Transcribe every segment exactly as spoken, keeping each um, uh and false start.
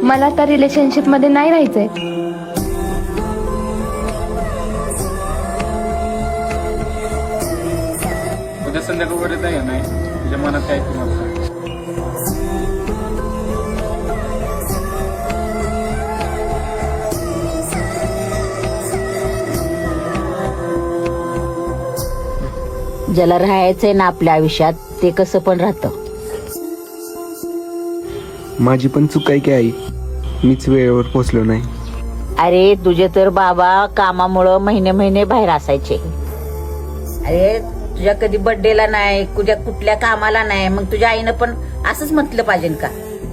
मला त्या रिलेशनशिप मध्ये नाही राहायचंय. उद्या संध्याकाळपर्यंत आहे नाही तुझ्या मनात काय तुम्हाला ज्याला राहायचंय ना आपल्या आयुष्यात ते कसं पण राहतं. माझी पण चूक आहे की आई, मीच वेळेवर पोचलो नाही. अरे तुझे तर बाबा कामामुळं महिने महिने बाहेर असायचे. अरे तुझ्या कधी बर्थडेला नाही, तुझ्या कुठल्या कामाला नाही, मग तुझ्या आईनं पण असंच म्हटलं पाहिजे का?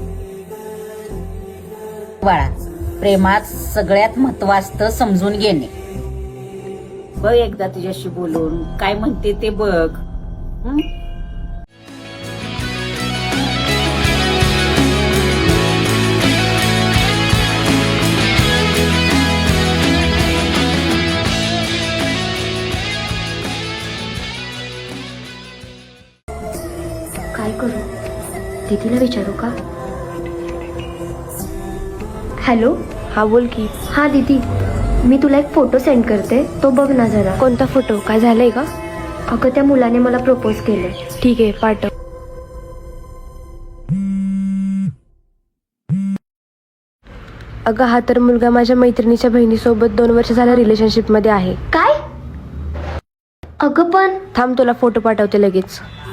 बाळा, प्रेमात सगळ्यात महत्व असतं समजून घेणे. बघ एकदा तुझ्याशी बोलून काय म्हणते ते बघ. हं? काय करू? दीदीला विचारू का? हॅलो. हा बोल की. हा दीदी, मी तुला एक फोटो सेंड करते, तो बघ ना जरा. कोणता फोटो? काय झालंय का? अगं त्या मुलाने मला प्रपोज केलंय. ठीक आहे पाठव. अगं हा तर मुलगा माझ्या मैत्रिणीच्या बहिणीसोबत दोन वर्ष झाल्या रिलेशनशिप मध्ये आहे. काय? अगं पण थांब तुला फोटो पाठवते लगेच.